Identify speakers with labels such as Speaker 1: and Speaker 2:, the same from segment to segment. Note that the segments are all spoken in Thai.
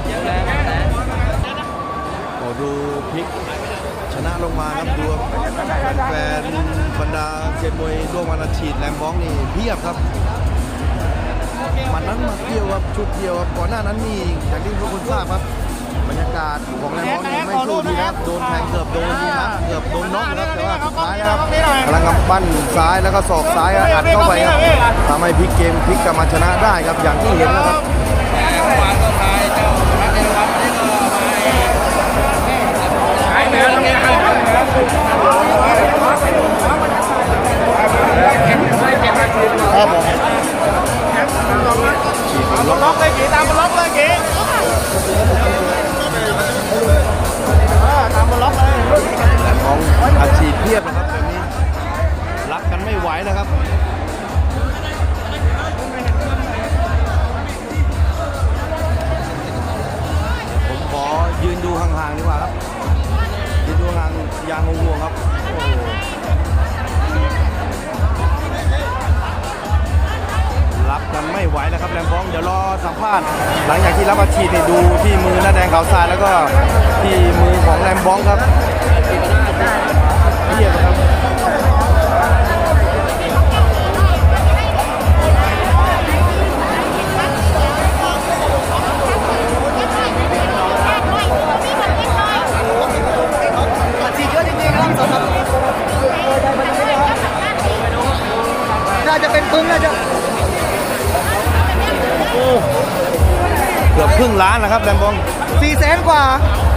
Speaker 1: โอ้ดูพลิกชนะลงมาครับดูแฟนบรรดาเซียนมวยร่วมวันอาทิตย์แรมบ้องนี่เพียบครับมันนั้นมาเที่ยวครับชุดเดียวครับก่อนหน้านั้นนี่อย่างที่ทุกคนทราบครับบรรยากาศของแรมบ้องนี่ไม่สู้ดีครับโดนแทงเกือบโดนนับเกือบโดนน็อกครับแต่ว่าสุดท้ายครับพลังกำปั้นซ้ายแล้วก็ศอกซ้ายอัดเข้าไปครับทำให้พลิกเกมพลิกกลับมาชนะได้ครับอย่างที่เห็นนะครับครับผม
Speaker 2: ล็อกเลยกี่ตามมันล็อกเลยกี่ตามมันล็อกเลย
Speaker 1: ของอาชีพเพียบนะครับแบบนี้รักกันไม่ไหวนะครับผมขอยืนดูห่างๆดีกว่าครับยืนดูห่างยางงงๆครับรับกันไม่ไหวแล้วครับแรมบ้องเดี๋ยวรอสัมภาษณ์หลังจากที่รับอาชีพเนี่ยดูที่มือหน้าแดงขาวทรายแล้วก็ที่มือของแรมบ้องครับเยี่ยมครับ
Speaker 2: น่าจะเป็นปึ้งน่าจะ
Speaker 1: เกือบครึ่งล้านนะครับแรมบ้อง
Speaker 2: 400,000 กว่า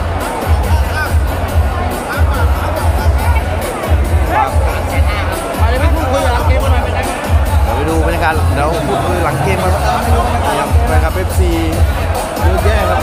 Speaker 2: มาเลยไม่พูดคุยกับหลังเกมกันหน่อยเป็นไง
Speaker 1: ไปดูบรรยากาศเดี๋ยวพูดคุยหลังเกมครับนะครับเอฟซีเยอะแยะครับ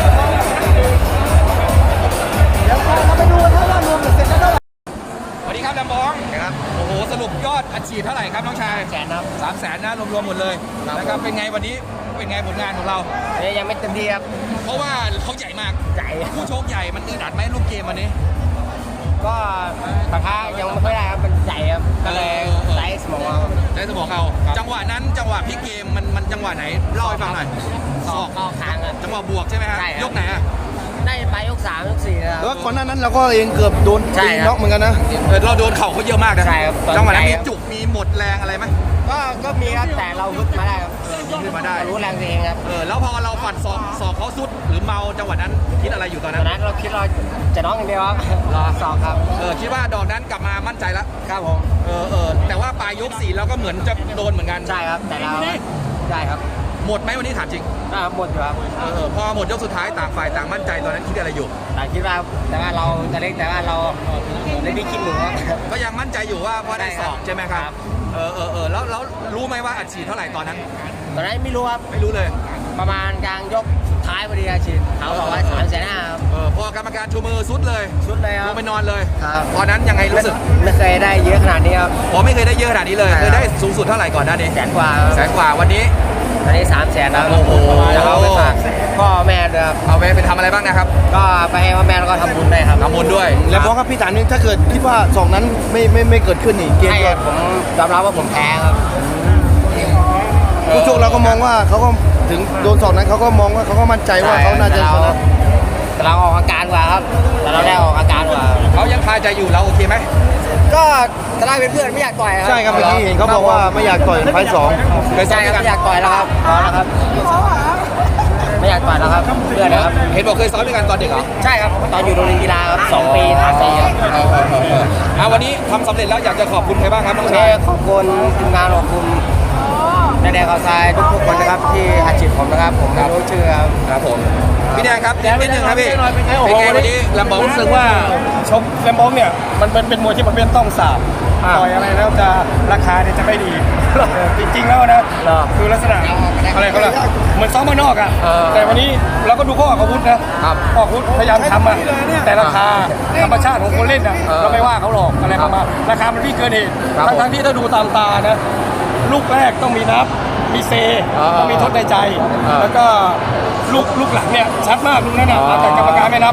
Speaker 2: เดี๋ยวเราไปดูถ้าว่ารวมเสร็จแล้วเท่าไหร่
Speaker 3: สวัสดีครับแรมบ้องครับโอ้โหสรุปยอดอัดฉีดเท่าไหร่ครับน้องชาย
Speaker 2: 300,000ครับ
Speaker 3: 300,000นะรวมๆหมดเลยนะครับเป็นไงวันนี้เป็นไงผลงานของเรา
Speaker 2: ยังไม่เต็มที่ครับ
Speaker 3: เพราะว่าเขาใหญ่มาก
Speaker 2: ใหญ่
Speaker 3: ผู้โชคใหญ่มันอึดอัดไหมลูกเกมวันนี้
Speaker 2: ก็ปะทะยังไม่ค่อยได้ครับมันใหญ่ครับก็เลยไร้สมอง
Speaker 3: ได้สมองเขาจังหวะนั้นจังหวะพลิกเกมมันจังหวะไหนเล่าให้ฟังหน่อย
Speaker 2: ศอกเข้าคางครับ
Speaker 3: จังหวะบวกใช่ไหมฮะยกไหนอ่ะ
Speaker 2: ได้ไปยก3ยก4แล้ว
Speaker 1: แล้วก่อนหน้านั้นเราก็เองเกือบโดนตีน็อกเหมือนกันนะ
Speaker 3: เราโดนเข่าเขาเยอะมากนะจังหวะนั้นมีจุกมีหมดแรงอะไรไหม
Speaker 2: ก็มีครับแต่เราฮึดมาได้ครับ
Speaker 3: ฮึดมาได้
Speaker 2: รู้แรงตัวเองครับ
Speaker 3: แล้วพอเราฝันศอกเขาสุดหรือเมาจังหวะนั้นคิดอะไรอยู่ตอนนั้น
Speaker 2: เราคิดเราจะน้องอย่างเดียวครับรอศอกครับ
Speaker 3: คิดว่าดอกนั้นกลับมามั่นใจแล้ว
Speaker 2: ครับผม
Speaker 3: แต่ว่าปลายยก4เราก็เหมือนจะโดนเหมือนกัน
Speaker 2: ใช่ครับแต่เราได้ครับ
Speaker 3: หมดไหมวันนี้ถามจริง
Speaker 2: หมดอยู่ครับ
Speaker 3: พอหมดยกสุดท้ายต่างฝ่ายต่างมั่นใจตอนนั้นคิดอะไรอยู่
Speaker 2: คิดว่าแต่ว่าเราจะเล็กแต่ว่าเราไม่ได้คิดหนึ่ง
Speaker 3: ก็ยังมั่นใจอยู่ว่าพอได้สอบใช่ไหมครับแล้วรู้ไหมว่าอัดฉีดเท่าไหร่ตอนนั้น
Speaker 2: ไม่รู้ครับ
Speaker 3: ไม่รู้เลย
Speaker 2: ประมาณกลางยกสุดท้ายพอดีอัดฉีดเขาบอกว่า300,000ครับ
Speaker 3: พอกรรมการชูมือสุดเลย
Speaker 2: ครับ
Speaker 3: ลงไปนอนเลยตอนนั้นยังไงรู้สึก
Speaker 2: ไม่เคยได้เยอะขนาดนี้ครับ
Speaker 3: ไม่เคยได้เยอะขนาดนี้เลยเคยได้สูงสุดเท่าไหร่ก่อนหน้านี้
Speaker 2: 100,000 กว่า
Speaker 3: วันนี้
Speaker 2: 300,000ครับ
Speaker 3: โอ้โห
Speaker 2: เอาไปฝากพ่อแม่ด้วยครับ
Speaker 3: เอาไปทำอะไรบ้างนะครับ
Speaker 2: ก็ไปให้พ่อแม่แล้วก็ทำบุญด้วยครับ
Speaker 3: ทำบุญด้วย
Speaker 1: แล้วบอกครับพี่ถามนึงถ้าเกิดคิดว่า2นั้นไม่เกิดขึ้นนี่เกมก็
Speaker 2: ผมยอมรับว่าผมแพ้ครับ
Speaker 1: ผู้ชกเราก็มองว่าเขาก็ถึงโดน2นั้นเขาก็มองว่าเขาก็มั่นใจว่าเขาน่าจะชนะ
Speaker 2: แต่เราออกอาการกว่าครับแต่เราได้ออกอาการกว่า
Speaker 3: เขายังคาใจอยู่เราโอเคไหม
Speaker 2: ก็จะได้เป็นเพื่อนไม่อยากต่อยครับ
Speaker 1: ใช่ครับเมื่อกี้เห็นเขาบอกว่าไม่อยากต่อยไฟ2
Speaker 3: เคยซ้อมกัน
Speaker 2: ไม่อยากต่อยแล้วครับพอแล้วครับไม่อยากต่อยแล้วครับเพื่อนนะครับ
Speaker 3: เห็นบอกเคยซ้อมด้วยกันตอนเด็กเหรอ
Speaker 2: ใช่ครับตอนอยู่โรงเรียนกีฬาครับ2 ปี3 ปี
Speaker 3: วันนี้ทำสำเร็จแล้วอยากจะขอบคุณใครบ้างครับน้องชาย
Speaker 2: ขอบคุณทีมงานขอบคุณนายแดงเขาทรายทุกคนนะครับที่อัดฉีดผมนะครับผมไม่รู้ชื่อ
Speaker 3: ครับผมพี่แดงครับนิดนึงครับพี่เป็นไงวันนี้แรมบ้อง
Speaker 4: รู้สึกว่าชกแรมบ้องเนี่ยมันเป็นมวยที่ประเภทต้องสาบต่อยอะไรแล้วจะราคาเนี่ยจะไม่ดีจริงๆแล้วนะคือลักษณะอะไรเขาล่ะเหมือนซ้อมมานอกอ่ะแต่วันนี้เราก็ดูเขาออกอาวุธนะออกอาวุธพยายามทำอ่ะแต่ราคาธรรมชาติของคนเล่นอ่ะเราไม่ว่าเขาหรอกอะไรประมาณราคามันพี่เกินเหตุทั้งที่ถ้าดูตามตานะลูกแรกต้องมีนับมีเซต้องมีทดในใจแล้วก็ลูกหลังเนี่ยชัดมากลูกนั้นนะแต่กรรมการไม่นับ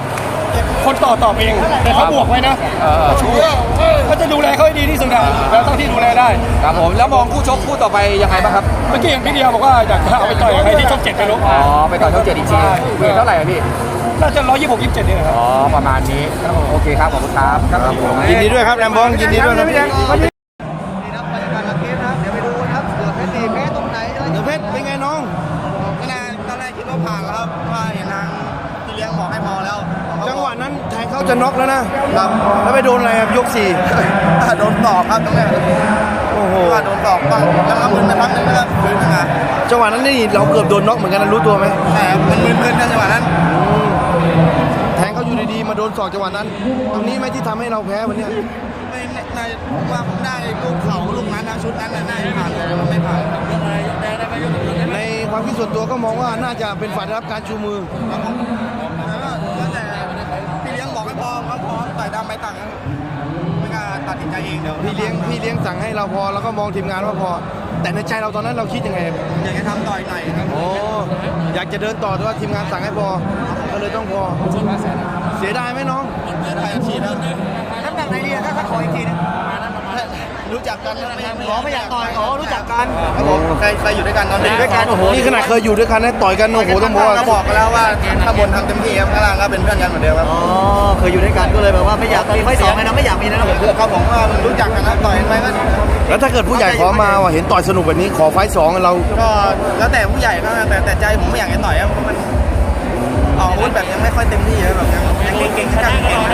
Speaker 4: คนต่อเองแต่เขาบวกไว้นะเขาจะดูแลเขาให้ดีที่สุดนะแล้วเท่าที่ดูแลได้
Speaker 3: ครับผมแล้วมองคู่ชกคู่ต่อไปยังไงบ้างครับ
Speaker 4: เมื่อกี้เห็นพี่เดียบอกว่าอยากจะเอาไปต่อยกับใครที่ช่อง7ไปรู้
Speaker 3: อ๋อไปต่อช่อง7อีกทีเวทเท่าไหร่อะพี่
Speaker 4: น่าจะ126 27นี่นะครับ
Speaker 3: อ๋อประมาณนี้โอเคครับขอบคุณครับครับผม
Speaker 1: ยินดีด้วยครับแรมบองยินดีด้วยครับ
Speaker 5: นี่ครับบรรยากาศหลังเกมนะครับ เดี๋ยวไปดูนะครับเสือเพชรดีแพ้ตรงไหนอะไร
Speaker 1: เดี๋ยวเพชรเป็นไงน้อง
Speaker 5: ก็นานตอนแรกคิดว่าผ่านแล้วครับว่าเห็นทางพี่เลี้ยงบอกให้พอแล้ว
Speaker 1: จังหวะนั้นแทงเขาจะน็อกแล้วนะครับแล้วไปโดนอะไรครับยกสี่
Speaker 5: โดนตอกครับตรงนี้
Speaker 1: โอ้โห
Speaker 5: ว่าโดนตอกบ้างแล้วก็มึนไปพักนึงแล้วก็ฟื้นขึ้นมา
Speaker 1: จังหวะนั้นนี่เราเกือบโดนน็อกเหมือนกันนะรู้ตัวไหม
Speaker 5: แต่มันมึนๆกันจังหวะนั้น
Speaker 1: แทงเขาอยู่ดีๆมาโดนศอกจังหวะนั้น ตรงนี้ไหมที่ทำให้เราแพ้วันเนี้ย
Speaker 5: ไม่น่าผมว่าผมได้ลูกเข่าลูกนั้นนะชุดนั้นน่ะน่าจะผ่านเลยมันไม่ผ่าน
Speaker 1: ในความคิดส่วนตัวก็มองว่าน่าจะเป็นฝ่ายได้รับการชูมือ
Speaker 5: แล้วแต่พี่เลี้ยงบอกให้พอต่อยดำไปต่างครับไม่กล้าตัดสินใจเองเดี๋ยว
Speaker 1: พี่เลี้ยงสั่งให้เราพอแล้วก็มองทีมงานว่าพอ แต่ในใจเราตอนนั้นเราคิดยังไง
Speaker 5: อยากจะทำต่อยหน่อยครับ
Speaker 1: โอ้อยากจะเดินต่อแต่ว่าทีมงานสั่งให้พอ ก็เลยต้องพอ เสียดายไหมน้อง
Speaker 5: ไทยฉีดแล้วน้ำหนักไหนดีถ้าขออีกทีนึงรู้จักกันไม่อยากต่อยรู้จักกันครับผมเคยอยู่ด้วยกันตอนเด็กด้วยกันโอ้โห
Speaker 1: นี่ขนาดเคยอยู่ด้วยกันนะต่อยกันโอ้โหต้องบอกว่า
Speaker 5: ก็บอกกันแล้วว่าข้างบนทำเต็มที่ครับข้างล่างก็เป็นเพื่อนกันเหมือนเดิมครับอ๋อเคยอยู่ด้วยกันก็เลยแบบว่าไม่อยากมีไฟสองนะไม่อยากมีนะเขาบอกว่ารู้จักกันนะต่อยกันไปก็
Speaker 1: แล้วถ้าเกิดผู้ใหญ่ขอมาว่าเห็นต่อยสนุกแบบนี้ขอไฟต์สองเรา
Speaker 5: ก็แล้วแต่ผู้ใหญ่ก็แต่ใจผมไม่อยากจะต่อยครับเพราะมันออกอาวุธแบบยังไม่ค่อยเต็มที่แบบยังเก่งๆข้างเก่ง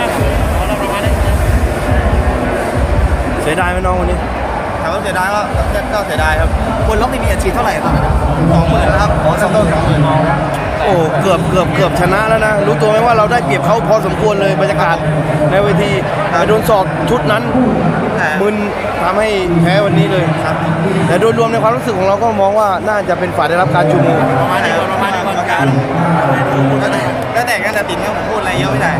Speaker 1: เสียดายไหมน้องวันนี้
Speaker 5: ถามว่าเสียดายก็เสียดายครับ
Speaker 2: คนล็อกนี่มีอาชีพเท่าไหร่ตอนนั้น
Speaker 5: 20,000แล้วครับขอสต้น20,000
Speaker 1: โอ้เกือบชนะแล้วนะ รู้ตัวไหมว่าเราได้เปรียบเขาพอสมควรเลยบรรยากาศในเวทีไปโดนศอกชุดนั้นมึนทำให้แพ้วันนี้เลยครับ แต่โดยรวมในความรู้สึกของเราก็มองว่าน่าจะเป็นฝ่ายได้รับการชูมือ
Speaker 5: ประมาณนี้กรรมการแล้วแต่กันแต่ติดเนี่ยผมพูดอะไรเยอะไม่ได้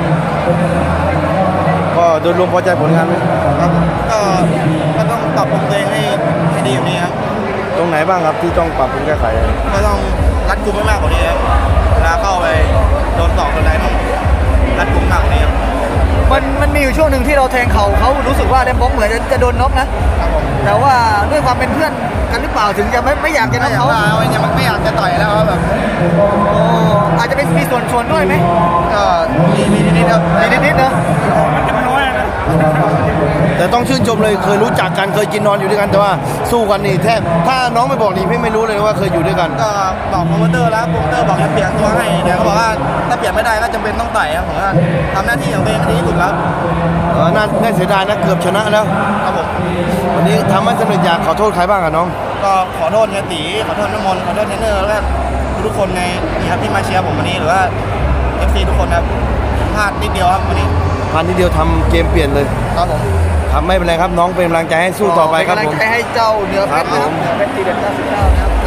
Speaker 1: ก็โดยรวมพอใจผลงานไหม
Speaker 5: ครับก็ต้องปรับปรุงตัวเองให้ดีกว่านี้ครับ
Speaker 1: ตรงไหนบ้างครับที่ต้องปรับปรุงแก้ไข
Speaker 5: ก็ต้องรัดกุมให้มากกว่านี้ครับเวลาเข้าไปโดนตอกโดนอะไรต้องรัดกุมมากกว่านี้ครับ
Speaker 2: มันมีอยู่ช่วงหนึ่งที่เราแทงเขารู้สึกว่าเดมบ็อกเหมือนจะโดนน็อกนะ
Speaker 5: ครับผม
Speaker 2: แต่ว่าด้วยความเป็นเพื่อนกันหรือเปล่าถึงจะไม่อยากจะน็อกเขา
Speaker 5: ไม่อยากจะต่อยแล้วครับแบบ
Speaker 2: โอ้อาจจะเป็นมีส่วนด้วยไหม
Speaker 5: ก็มีนิดๆครับ
Speaker 2: นิดๆนะ
Speaker 1: แต่ต้องชื่นชมเลยเคยรู้จักกันเคยกินนอนอยู่ด้วยกันแต่ว่าสู้กันนี่แทบถ้าน้องไม่บอกนี่พี่ไม่รู้เลยว่าเคยอยู่ด้วยกัน
Speaker 5: ก็บอกโปรโมเตอร์แล้วโปรโมเตอร์บอกจะเปลี่ยนตัวให้แต่เขาบอกว่าถ้าเปลี่ยนไม่ได้ก็จำเป็นต้องต่อยครับผมว่าทำหน้าที่ของตัวเองให้ดีที่สุดครับ
Speaker 1: น่าเสียดายนะเกือบชนะแล้ว
Speaker 5: ครับผม
Speaker 1: วันนี้ทำให้สำเร็จอยากขอโทษใครบ้างอะน้อง
Speaker 5: ก็ขอโทษเฮียตีขอโทษน้ำมนต์ขอโทษเทรนเนอร์แล้วก็ทุกคนในนี่ครับที่มาเชียร์ผมวันนี้หรือว่า FC ทุกคนครับพลาดนิดเดียวครับวันนี้
Speaker 1: พันทีเดียวทำเกมเปลี่ยนเลย
Speaker 5: ครับผม
Speaker 1: ทำไม่เป็นไรครับน้องเป็นกำลังใจให้สู้ต่อไปครับ
Speaker 2: เป็น
Speaker 1: ผม
Speaker 2: กำลังใจให้เจ้าเหนือเพชรนะครับเหนือเพชรตีเด็ด99นะครับ